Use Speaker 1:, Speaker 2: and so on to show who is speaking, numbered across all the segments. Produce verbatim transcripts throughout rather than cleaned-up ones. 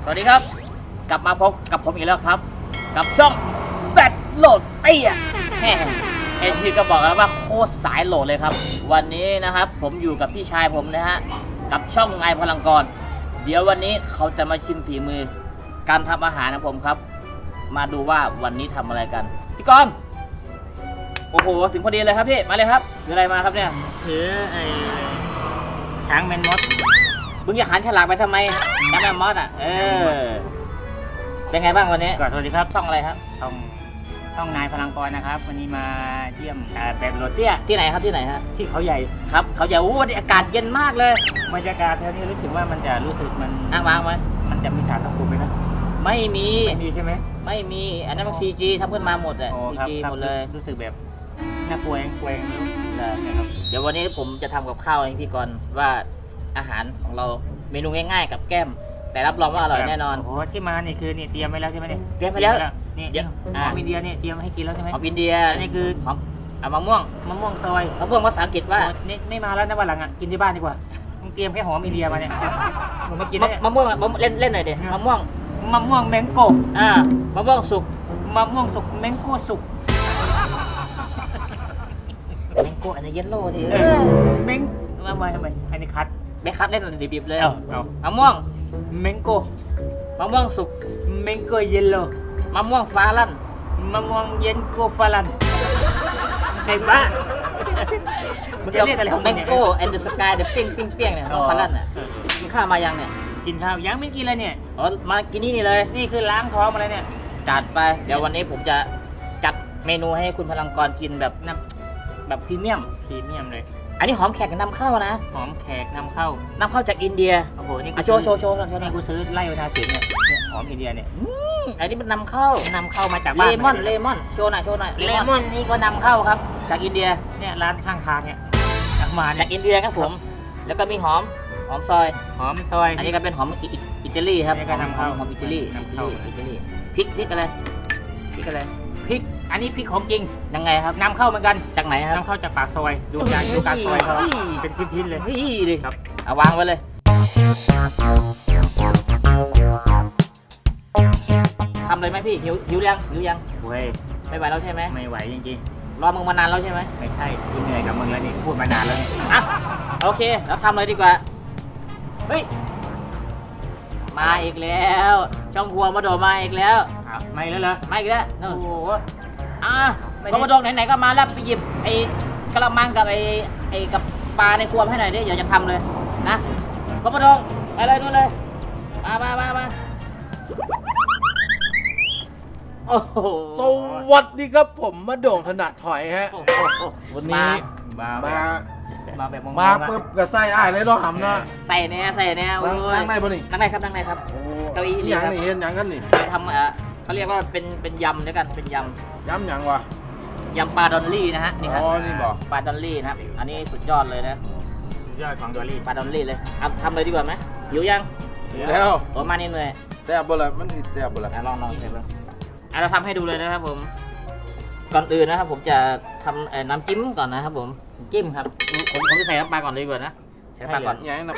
Speaker 1: สวัสดีครับกลับมาพบกับผมอีกแล้วครับกับช่องแบตโหลดเตี้ยแหมเอ็นทีก็บอกแล้วว่าโคตรสายโหลดเลยครับวันนี้นะครับผมอยู่กับพี่ชายผมนะฮะกับช่องไงพลังกรเดี๋ยววันนี้เขาจะมาชิมฝีมือการทำอาหารของผมครับมาดูว่าวันนี้ทำอะไรกันพี่กรณ์โอ้โหถึงพอดีเลยครับพี่มาเลยครับถืออะไรมาครับเนี่ย
Speaker 2: ถือไอ้ช้างแมนมด
Speaker 1: มึงอยากหันฉลากไปทำไมน้ำแมมมอสอ่ะเออเป็นไงบ้างวันนี้
Speaker 2: ก็สวัสดีครับ
Speaker 1: ช่องอะไรครับ
Speaker 2: ช่องช่องนายพลังกรนะครับวันนี้มาเยี่ยมอ่าแบบโรเตี้ย
Speaker 1: ที่ไหนครับที่ไหนฮะ
Speaker 2: ที่เขาใหญ่
Speaker 1: ครับเขาจะอู้วันนี้อากาศเย็นมากเลย
Speaker 2: บรรยากาศแถวนี้รู้สึกว่ามันจะรู้สึกมัน
Speaker 1: นั่งวางไหม
Speaker 2: มันจะมีสารตะกุ่มไหมนะ
Speaker 1: ไม่มี
Speaker 2: ไม่มีใช่ไหม
Speaker 1: ไม่มีอันนั้นมันซีจีทำขึ้นมาหมดอ่ะ
Speaker 2: อ๋อ
Speaker 1: ซี
Speaker 2: ครับ
Speaker 1: จี
Speaker 2: ครับ
Speaker 1: หมดเลย
Speaker 2: รู้สึกแบบน่ากลัวเองกลัวเองไม่รู้
Speaker 1: นะครับเดี๋ยววันนี้ผมจะทำกับข้าวให้พี่กรณ์ว่าอาหารของเราเมนูง่ายๆกับแก้ม แต่รับรองว่าอร่อยแน่นอน
Speaker 2: โอ้โหที่มานี่คือนี่เตรียมไว้แล้วใช่ไหมเนี่ย
Speaker 1: เตรียมไว้แล้ว
Speaker 2: นี่
Speaker 1: เดี๋ยว
Speaker 2: หอมอินเดียเนี่ยเตรียมให้กินแล้วใช่ไหม
Speaker 1: หอมอินเดีย
Speaker 2: อันนี้คือ
Speaker 1: หอมเอามะม่วง
Speaker 2: มะม่วงซอย
Speaker 1: มะม่วงภาษาอังกฤษว่า
Speaker 2: โอ้นี่ไม่มาแล้วนะวันหลังอ่ะกินที่บ้านดีกว่ามึงเตรียมแค่หอมอินเดียมาเนี่ยผมไม่กินแล้วเนี่ย
Speaker 1: มะม่วงอะมะม่วงเล่นเล่นหน่อยดิมะม่วง
Speaker 2: มะม่วงแมงโก
Speaker 1: อ่ามะม่วงสุก
Speaker 2: มะม่วงสุกแมงโก้สุก
Speaker 1: แมงโก้อันนี้เยลโล่ที
Speaker 2: เออแมงทำไมทำไมอันนี้คัด
Speaker 1: ไม่คัดเล่นดิบๆเลย
Speaker 2: เอาเอา
Speaker 1: มะม่วง
Speaker 2: แมงโก้
Speaker 1: มะม่วงสุก
Speaker 2: แมงโก้เยลโล่
Speaker 1: มะม่วงฟ้าลั่น
Speaker 2: มะม่วงเย็นโกฟาลันไอ้บ้ามันจะเรียกอะไรของ
Speaker 1: แม
Speaker 2: มัน
Speaker 1: ง
Speaker 2: เนี่ย
Speaker 1: โก้แอนด์สกายเดอะปิ้งปิ้งเปี้ยงเนี่ยมะม่วงฟ้าลั่นอ่ะ
Speaker 2: เออ
Speaker 1: กินข้าวมายังเนี่ย
Speaker 2: กินข้าวยังไม่กินเลยเนี่ย
Speaker 1: อ๋อมากินนี่นี่เลย
Speaker 2: นี่คือล้างท้องมาเลยเนี่ย
Speaker 1: จัดไปเดี๋ยววันนี้ผมจะจัดเมนูให้คุณพลังกรกินแบบน้ำแบบพรีเมียม
Speaker 2: พรีเมียมเลย
Speaker 1: อันนี้หอมแขกนำเข้านะ
Speaker 2: หอมแขกนำเข้าน
Speaker 1: ำเข้าจากอินเดีย
Speaker 2: โอ้โหนี่
Speaker 1: อ่ะโชว์โชว์โชว์หน่อยโชว์หน่
Speaker 2: นี่
Speaker 1: อย
Speaker 2: กูซื้อไล่เวลาเสียเนี่ยเนี่ยหอมอินเดียเนี่ย
Speaker 1: อืมอันนี้มันนำเข้าน
Speaker 2: ำเข้ามาจาก
Speaker 1: เล
Speaker 2: บ้าน
Speaker 1: มอนเลมอนโชว์หน่อยโชว์หน่อย
Speaker 2: เลมอนนี่ก็นำเข้าครับ
Speaker 1: จากอินเดีย
Speaker 2: เนี่ยร้านข้างทางเนี่ยจากมา
Speaker 1: จา
Speaker 2: เนี่ย
Speaker 1: กอินเดียครับผม แล้วก็มีหอมหอมซอย
Speaker 2: หอมซอย
Speaker 1: อันนี้ก็เป็นหอมอิอิตาลีครับ
Speaker 2: อันนี้ก็นำเข้า
Speaker 1: หอมอิตาลี
Speaker 2: นำเข้า
Speaker 1: อิตาลีพริกพริกอะไรพริกอะไร
Speaker 2: พริก อันนี้พริกของจริง
Speaker 1: ยังไงครับ
Speaker 2: นำเข้าเหมือนกัน
Speaker 1: จากไหนครับ
Speaker 2: นำเข้าจากปากซอย ดูการดูการซอยเขาเป็นชิ้นๆเลย
Speaker 1: เฮ้ยดิ
Speaker 2: ครับ
Speaker 1: เอาวางไว้เลยทำเลยไหมพี่หิวหิวยังหิวยัง
Speaker 2: เว้ย
Speaker 1: ไม่ไหวแล้วใช่ไหม
Speaker 2: ไม่ไหวจริง
Speaker 1: รอมึงมานานแล้วใช่ไหม
Speaker 2: ๆ ไม่ใช่กูเหนื่อยกับมึงแล้วนี่พูดมานานแล้วเนี่ย
Speaker 1: อ่ะโอเคเราทำเลยดีกว่าเฮ้ยมาอีกแล้วช่องครัวมาโดดมาอีกแล้ว
Speaker 2: อ้าวไม่แล้วเหรอ
Speaker 1: มาอีกแล้ว
Speaker 2: โอ้
Speaker 1: นู่น
Speaker 2: โห
Speaker 1: อ่ะ
Speaker 2: ไม่ได้
Speaker 1: ก็มาโดดไหนๆก็มาแล้วไปหยิบไอ้กระมังกับไอ้ไอ้กับปลาในครัวมาให้หน่อยดิเดี๋ยวจะทำเลยนะก็มาโดดไปเลยนู่นเลยมามามามาโอ้โห
Speaker 3: สวัสดีครับผมมาโด่งถนัดถอยฮะ
Speaker 1: โอ้โห
Speaker 3: วันนี้
Speaker 2: มา
Speaker 3: มา
Speaker 2: มาแบบมองๆ
Speaker 3: มา
Speaker 2: อะ
Speaker 3: ปุ๊บกับไส้อ้ายเลยเนาะหำเนาะ
Speaker 1: ใส่เนี่ยใส่เนี่ยโอ้
Speaker 3: นั่ง
Speaker 1: ย
Speaker 3: นั่งได้ปะนี่
Speaker 1: นั่งได้ครับนั่งได้ครับ
Speaker 3: โอ้
Speaker 1: เก้าอี้นี่
Speaker 3: หยัง
Speaker 1: ครับ
Speaker 3: นี่เห็นหยังกันนี่
Speaker 1: ทำเอ่อเขาเรียกว่าเป็นเป็นยำด้วยกันเป็นย
Speaker 3: ย้ำหยังวะ
Speaker 1: ำยำปลาดอลลี่นะฮะนี่ฮะ
Speaker 3: อ๋อนี่บอก
Speaker 1: ปลาดอลลี่นะครับอันนี้สุดยอดเลยนะ
Speaker 2: สุดยอดของดอลลี่
Speaker 1: ปลาดอลลี่เลยเอาทำเลยดีกว่าไหมหิวยัง
Speaker 3: แล้ว
Speaker 1: โอ้มานี่เลย
Speaker 3: แซ่บบ่ละมันสิแซ่บบ่ละ
Speaker 1: อ่ะลองลองเสร็จแล้วอ่ะเราทำให้ดูเลยนะครับผมก่อนอื่นนะครับผมจะทำเอ่อน้ำจิ้มก่อนนะครับผมจิ้มครับผมผมจะใส่น้ำปลาก่อนเลยดีกว่านะใส่น้ำปลาก่อน
Speaker 3: หยังนะ
Speaker 1: โอ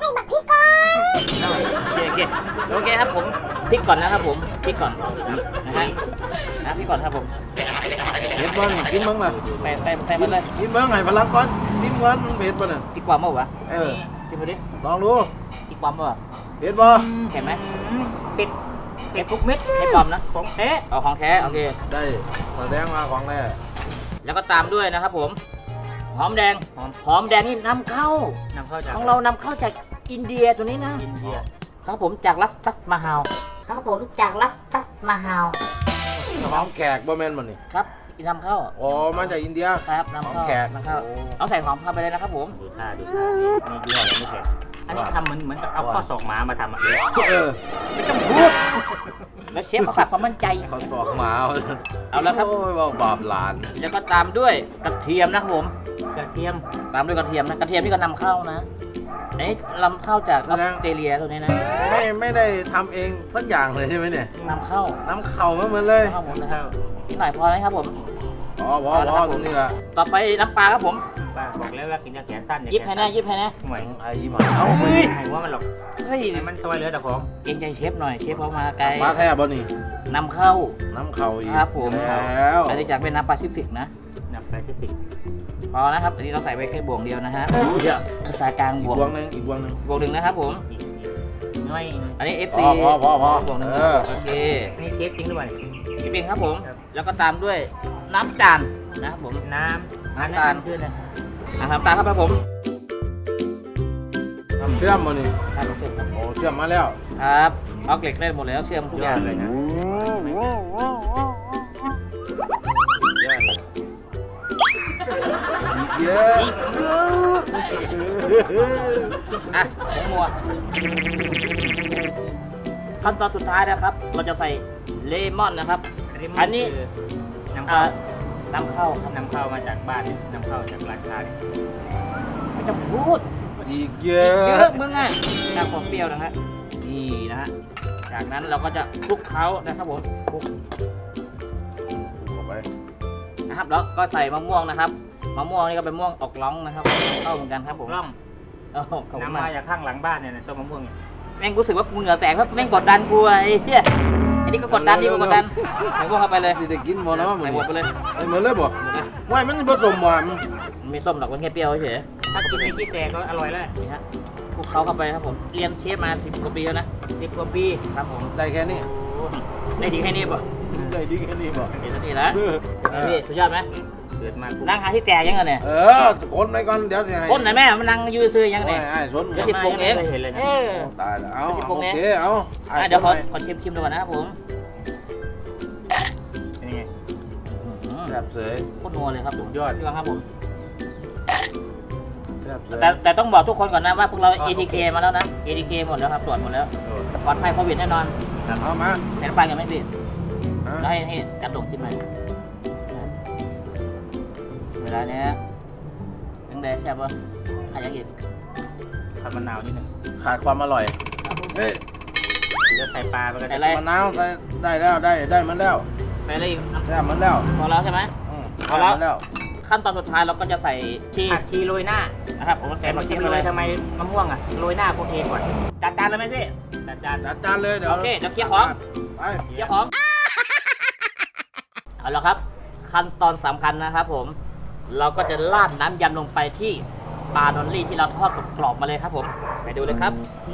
Speaker 1: เคโอเคโอเคครับผมพริกก่อนนะครับผมพริกก่อนนะฮะนะพริกก่อนครับผม
Speaker 3: เห็ดบ่นี่กินเบิ่งล่ะ
Speaker 1: ใส่ใส่ใส่มาเลย
Speaker 3: กินเบิ่งให้พลังก่อนกินก่อนมันเผ็ดบ่น่ะ
Speaker 1: พริกความมั้งวะ
Speaker 3: เออ
Speaker 1: ชิมมาดิ
Speaker 3: ลองดู
Speaker 1: พริกความมั้งวะ
Speaker 3: เผ็ดบ่
Speaker 1: เห็นไหม
Speaker 2: ปิด
Speaker 1: เผ็ดทุกเม็ดไม่ความนะของแท้เอาของแท้โอเค
Speaker 3: ได้แสดงว่าของแท้
Speaker 1: แล้วก็ตามด้วยนะครับผมหอมแดงหอมหอมแดงนี่นำเข้าน
Speaker 2: ำเข้าจาก
Speaker 1: ของเรานำเข้าจากอินเดียตัวนี้นะ
Speaker 2: อินเดีย
Speaker 1: ครับผมจากรัสตัสมาฮาวครับผมจากรัสตัสมาฮาว
Speaker 3: หอมแขกบ่แม่นบ่นี่
Speaker 1: ครับนำเข้า
Speaker 3: อ๋อมาจากอินเดีย
Speaker 1: ครับนำ
Speaker 3: หอม
Speaker 1: เข้า
Speaker 3: แขก
Speaker 1: นำเข้า
Speaker 3: โอ้
Speaker 1: เอาใส่หอมเข้าไปเลยนะครับผม
Speaker 2: ดูท่าดูท่าอันนี้ยี่ห้ออะไรไม่แพงอันนี้ทำเหมือนเหมือนกับเอาข้อศอกหมามาทำอ่ะ
Speaker 3: เออ
Speaker 2: ไม่ต้องพูด
Speaker 1: แล้วเชฟเขาฝากความมั่นใจ
Speaker 3: เขาตอกหมา
Speaker 1: เอาแล้วครับ
Speaker 3: โอ้ยว่าบาปหลาน
Speaker 1: แล้วก็ตามด้วยกระเทียมนะครับผม
Speaker 2: กระเทียม
Speaker 1: ตามด้วยกระเทียมนะกระเทียมที่ก็นำเข้านะอันนี้นำเข้าจากออสเตรเลียตัวนี้นะ
Speaker 3: ไม่ไม่ได้ทำเองสักอย่างเลยใช่ไหมเนี่ย
Speaker 1: นำเข้า
Speaker 3: น้ำเข่ามาเหมือนเลย
Speaker 1: ครับผมนะครับนิดหน่อยพอแล้วครับผม
Speaker 3: อ๋อพอพอตรงนี้ละ
Speaker 1: ต่อไปน้ำปลาครับผม
Speaker 3: ป
Speaker 2: ป้าบอกแล้วว่ากินยาแขนสั้น
Speaker 1: ยิบให้นะยิบให้นะ
Speaker 2: หวย
Speaker 3: ไอ้หมาเอา
Speaker 2: เฮ้ยให้ว่ามันหรอก
Speaker 1: เฮ้ย
Speaker 2: ให้มันซอยเหลือแต่ของ
Speaker 1: เกรงใจเชฟหน่อยเชฟเขามาไกล
Speaker 3: ปลาแท้บ่นี่
Speaker 1: นำเข้า
Speaker 3: น้ำเข่าอีก
Speaker 1: ครับผม
Speaker 3: แล้ว
Speaker 1: อันนี้จากเป็นน้ำแปซิฟิกนะ
Speaker 2: นับไปที่สิบ
Speaker 1: พอนะครับอันนี้เราใส่ไปแค่บวงเดียวนะฮะเยอะภาษากลางบ
Speaker 3: อี
Speaker 1: ว
Speaker 3: ก
Speaker 1: ง
Speaker 3: วงหนึงอีกวงหนึง
Speaker 1: บวงหนึ่งนะครับผม
Speaker 2: อีกอีกน้อยอีกน้อย
Speaker 1: อันนี้ เอฟ
Speaker 3: พ
Speaker 1: ซี
Speaker 3: อพอพอพอบ
Speaker 1: วงหนึ่ง
Speaker 3: เออ
Speaker 1: โอเค
Speaker 2: นี่เชฟจริงด้วย
Speaker 1: พี่ปิงครับผม
Speaker 2: ครับ
Speaker 1: แล้วก็ตามด้วยน้ำจานนะครับผม
Speaker 2: น้ำ
Speaker 1: น้ำตาล
Speaker 2: ขึ้นนะ
Speaker 1: อ่ะน้ำตาลครับผม
Speaker 3: ทำเชื่อมบ่นี่
Speaker 1: ครับผมครับ
Speaker 3: โอ้เชื่อมมาแล้ว
Speaker 1: ครับเอาเกล็ดได้หมดแล้วเชื่อมทุก
Speaker 2: ย
Speaker 1: อ
Speaker 2: อย่าง ดเลยนะยอดเลย
Speaker 3: อีกเยอะ
Speaker 1: อ่ะผมมัวขั้นตอนสุดท้ายนะครับ เราจะใส่เลมอนนะครับ อันนี้
Speaker 2: คืน้ำ
Speaker 1: อ่า
Speaker 2: เข้า
Speaker 1: น้ำเข้าครับ
Speaker 2: นำเข้ามาจากบ้านเนี่ยนำเข้าจากร้านค้าเนี่ย
Speaker 1: ไม่ต้องพูด
Speaker 3: อีกเย
Speaker 1: เย
Speaker 3: อะ
Speaker 1: อะมึงอ่ะน้ำความเปรี้ยวนะฮะนี่นะฮะจากนั้นเราก็จะคลุกเคล้านะครับผมคลุก
Speaker 3: เอาไป
Speaker 1: นะครับแล้วก็ใส่มะม่วงนะครับมะม่วงนี่ก็เป็นมะม่วงออกร้องนะครับเข้าเหมือนกันครับผม
Speaker 2: ร่อง
Speaker 1: โอ้โหขอบคุณ
Speaker 2: นำ
Speaker 1: มา
Speaker 2: มาก จากข้างหลังบ้านเนี่ยนะต้นมะม่วงเนี่ย
Speaker 1: แม่งรู้สึกว่ากูเหงื่อแตกเพราะแม่งกดดันกูอะไอ้เหี้ยไอ้นี่ก็กดดันนี่ก็กดดันใส่พวกเข้าไปเลย
Speaker 3: สิได้กินบ่เนาะ
Speaker 1: ใส่หมดไปเลย
Speaker 3: ไอ้หมดเลยบ่
Speaker 1: หมดเลย
Speaker 3: ว่ามันผสมหวาน
Speaker 1: มันไม่ส้มหรอกมันแค่เปรี้ยวเฉย
Speaker 2: ถ้ากินในกี้แตกก็อร่อยแล้ว
Speaker 1: ๆนี่ฮะคลุกเคล้าเข้าไปครับผมเรียนเชฟมาสิบกว่าปีแล้วนะ
Speaker 2: สิบกว่าปี
Speaker 1: ครับผม
Speaker 3: ได้แค่นี้
Speaker 1: ได้ดีแค่นี้ป่ะ
Speaker 3: ได้ดีแค่นี้บ่
Speaker 1: เดี๋ยวสักทีแล้วไอ้พี่สุดยอดไหม
Speaker 2: เกิดมากู
Speaker 1: นั่งหาที่แตกยังไงเนี่ย
Speaker 3: เออคนไปก่อนเดี๋ยวสิให้
Speaker 1: คนไหนแม่มันนั่งอยืนซื้อยัง
Speaker 3: โอ้
Speaker 1: เนี่ย ย
Speaker 3: ไอ้สน
Speaker 1: เดี๋ยวสิบโมงเอง
Speaker 2: ไม่คยเห็นเลยนะ
Speaker 1: เออ
Speaker 3: ตายแล้วเอา
Speaker 1: สิบโม
Speaker 3: โอง
Speaker 1: เอง
Speaker 3: เคเอาไอ้
Speaker 1: อ่ะเดี๋ยวขอ
Speaker 3: คนไหน
Speaker 1: ขอชิมชิมดูก่อนนะครับผม
Speaker 2: เป็นไง
Speaker 1: อื้อหือ
Speaker 3: แซ่บเสย
Speaker 1: โคตรนัวเลยครับผม
Speaker 2: ยอด
Speaker 1: พี่วังครับผม
Speaker 3: แซ่บเสย
Speaker 1: แต่แต่ต้องบอกทุกคนก่อนนะว่าพวกเรา เอ ที เค มาแล้วนะ เอ ที เค หมดแล้วครับตรวจหมดแล้ว
Speaker 2: โอ้
Speaker 1: ปลอดภัยโควิดแน่นอน
Speaker 3: เอามา
Speaker 1: แสนปลายกันไหมพี่
Speaker 3: ฮะ
Speaker 1: แล้วให้ให้จัดดงชิมหน่อยเวลาเนี้ยยังได้แซ่บปะใครยังอีก
Speaker 2: ขัดมะนาวนิดหนึง
Speaker 3: ขาดความอร่อยเฮ้ย
Speaker 2: เดี๋ยวใส่ปลาไปก็
Speaker 1: ใส่
Speaker 2: ได้
Speaker 1: อะไร
Speaker 3: มะนาวใส่ได้แล้วได้ได้มันแล้ว
Speaker 1: ใส่อะไรอีกอ่ะ
Speaker 3: ได้มันแล้ว
Speaker 1: พอแล้วใช่ไหม
Speaker 3: อืม
Speaker 1: เอาแล้ว
Speaker 3: ได้มันแล้ว
Speaker 1: ขั้นตอนสุดท้ายเราก็จะใส่ชีส
Speaker 2: ผักชีโรยหน้า
Speaker 1: นะครับผม
Speaker 2: แต่
Speaker 1: ใส่
Speaker 2: มา
Speaker 1: ผัก
Speaker 2: ชิ
Speaker 1: ชี
Speaker 2: ม
Speaker 1: ไป
Speaker 2: เล
Speaker 1: เลย ย
Speaker 2: ทำไมมะม่วงอ่ะโรยหน้าพวกเองก่อน
Speaker 1: จัดจานเลยไหมพี่
Speaker 2: จัดจาน
Speaker 3: จัดจานเลยเดี๋ยว
Speaker 1: โอเคเดี๋ยวเคลียร์ของ
Speaker 3: ไป
Speaker 1: เจ้าของ เอาละครับ ขั้นตอนสำคัญนะครับผม เราก็จะราดน้ำยำลงไปที่ปลาดอลลี่ที่เราทอดกรอบๆมาเลยครับผม ไปดูเลยครับ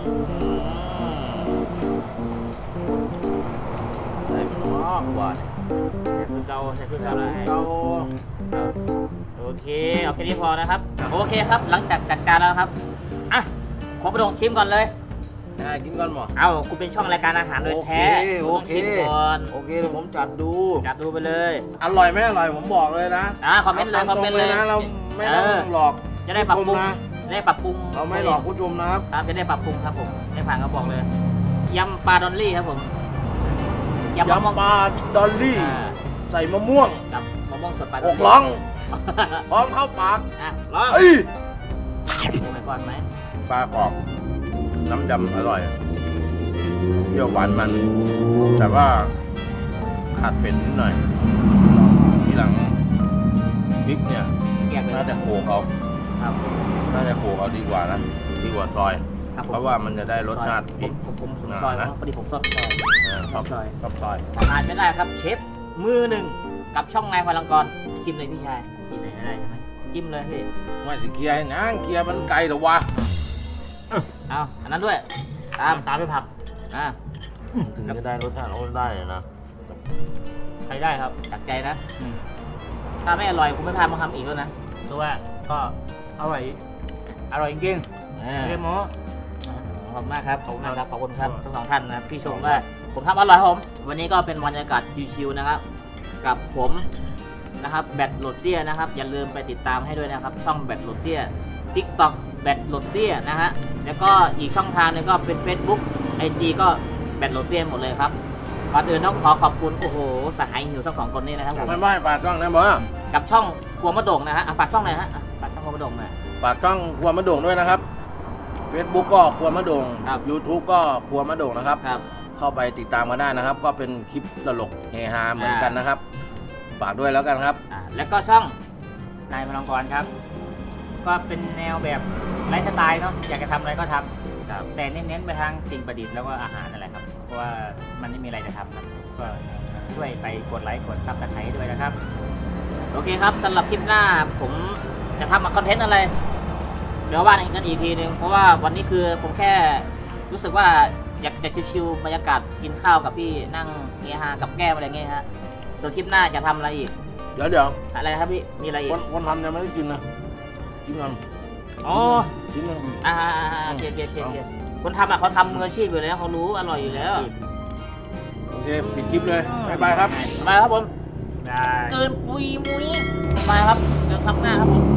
Speaker 3: ใส่หม้อหวาน
Speaker 1: ใส่คือเกาใส่คือเกาเลย
Speaker 3: เอา
Speaker 1: โอเคเอาแค่นี้พอนะครับ โอเคครับ หลังจากจัดการแล้วนะครับ อ่ะ ขอประดงชิมก่อนเลย
Speaker 3: อ่ะกินก่อนหมอ
Speaker 1: เอาคุณเป็นช่องรายการอาหารโดยแท้
Speaker 3: โอ
Speaker 1: คุณ
Speaker 3: เค
Speaker 1: ต้องชิมก่อน
Speaker 3: โอเคเดี๋ยวผมจัดดู
Speaker 1: จัดดูไปเลย
Speaker 3: อร่อยไหมอร่อยผมบอกเลยนะ
Speaker 1: อ่าคอมเมนต์เลยคอมเมนต์เลย
Speaker 3: นะเราไม่ต้อง
Speaker 1: เออ
Speaker 3: หลอก
Speaker 1: จะได้ปรับปรุง
Speaker 3: ผู้ชมนะ
Speaker 1: จะได้ปรับปรุง
Speaker 3: เราไม่หลอกผู้ชมนะครับ
Speaker 1: ครับจะได้ปรับปรุงครับผมไม่ผ่านก็บอกเลยยำปลาดอลลี่ครับผมยำมะม่วง
Speaker 3: ยำปลาดอลลี่
Speaker 1: อ่า
Speaker 3: ใส่มะม่วง
Speaker 1: กับมะม่วงสดปลาด
Speaker 3: อ
Speaker 1: อล
Speaker 3: ก
Speaker 1: ลี่
Speaker 3: ร้องพร้อมเข้าปาก
Speaker 1: อ่ะลอง
Speaker 3: เอ้ย
Speaker 1: ดูไปก่อนไหม
Speaker 3: ปลากรอบน้ำยำอร่อยเปรี้ยวหวานมัน แต่ว่าขาดเผ็ดนิดหน่อย ทีหลังพริกเนี่ย
Speaker 1: แยกเลย
Speaker 3: น่าจะโขกเอา
Speaker 1: ครับ
Speaker 3: น่าจะโขกเอาดีกว่านะดีกว่าซอย
Speaker 1: ครับผม
Speaker 3: เพราะว่ามันจะได้รสชาติ
Speaker 1: ผ
Speaker 3: พริ
Speaker 1: ม
Speaker 3: ก
Speaker 1: ผมผมผม
Speaker 3: อ่า
Speaker 1: ซอย
Speaker 3: นะ
Speaker 1: พอดีผมซอยซอย
Speaker 3: เออชอบ
Speaker 1: ซอย
Speaker 3: ชอบซอย
Speaker 1: ผ่านไม่ได้ครับเชฟมือหนึ่งกับช่องนายพลังกรชิมเลยพี่ชายชิมเลยได้ใช่ไหมจิ้มเลยพี่
Speaker 3: ไม่สิเคลียร์ให้นางเคลียร์มันไกลเหรอวะ
Speaker 1: เอาอันนั้นด้วยตามตามด้วยผักอ่า
Speaker 3: ถึงจะได้รสชาติโอ้ได้เลยนะ
Speaker 1: ใครได้ครับจัดใจนะถ้าไม่อร่อยคุณไม่พามาทำอีกแล้วนะ
Speaker 2: ตัวาก็อร่อยอร่อยจริง
Speaker 1: อ่า
Speaker 2: ๆเรียกหมอ
Speaker 1: ขอบคุณมากครับ ขอบคุณมากครับ ขอบคุณครับ
Speaker 2: ครับ
Speaker 1: ทั้งสองท่านนะครับที่ชมว่าผมทำอร่อยครับผม วันนี้ก็เป็นบรรยากาศชิวๆนะครับ กับผมนะครับแบทโหลดเตี้ยนะครับ อย่าลืมไปติดตามให้ด้วยนะครับ ช่องแบทโหลดเตี้ย TikTok แบทโหลดเตี้ยนะฮะ แล้วก็อีกช่องทางหนึงก็เป็น Facebook ไอ จี ก็แบทโหลดเตี้ยหมดเลยครับก่อนอื่นต้องขอขอบคุณ โอ้โห สหายหิวทั้งสองคนนี้นะครับผม
Speaker 3: ไม่ไม่ปากช่องนะบอ
Speaker 1: กับช่องครัวมะโด่งนะฮะอ่ะฝากช่องหน่อยฮะอ่ะฝากช่องครัวมะโด่งหน่อย
Speaker 3: ปากช่องครัวมะโด่งด้วยนะครับ Facebook ก็ครัวมะโด่ง
Speaker 1: ครับ
Speaker 3: YouTube ก็ครัวมะโด่งนะครับ
Speaker 1: ครับ
Speaker 3: เข้าไปติดตามกันได้นะครับ ก็เป็นคลิปตลกเฮฮาเหมือนกันนะครับ ฝากด้วยแล้วกันครับ
Speaker 1: อ่าแล้วก็ช่อง
Speaker 2: นายพลังกรครับก็เป็นแนวแบบไลฟ์สไตล์เนาะอยากจะทำอะไรก็ทำครับแต่เน้นๆไปทางสิ่งประดิษฐ์แล้วก็อาหารอะไรครับเพราะว่ามันไม่มีอะไรจะทำครับก็ช่วยไปกดไลค์กดซับสไครต์ด้วยนะครับ
Speaker 1: โอเคครับสำหรับคลิปหน้าผมจะทำมาคอนเทนต์อะไร เดี๋ยวว่ากันอีกทีหนึ่งเพราะว่าวันนี้คือผมแค่รู้สึกว่าอยากจะชิวๆบรรยากาศกินข้าวกับพี่นั่งเฮฮากับแก้มอะไรเงี้ยฮะส่วนคลิปหน้าจะทำอะไรอีก
Speaker 3: เดี๋ยวเดี๋ยว
Speaker 1: อะไรครับพี่มีอะไรอี
Speaker 3: ค
Speaker 1: ก
Speaker 3: นคนทำยังไม่ได้กินนะกินก่อน
Speaker 1: อ๋อ
Speaker 3: ชิ้นหนึง
Speaker 1: อ่าๆๆเคลียร์เคลียร์เคลียร์คนทำอ่ะเขาทำมืออาชีพอยู่แล้วเขารู้อร่อยอยู่แล้ว
Speaker 3: โอเคปิดคลิปเลยบ๊ายบายครับ
Speaker 1: ไปครับผม
Speaker 2: ได้
Speaker 1: เกินปุยมุ้ยไปครับเดี๋ยวทำหน้าครับผม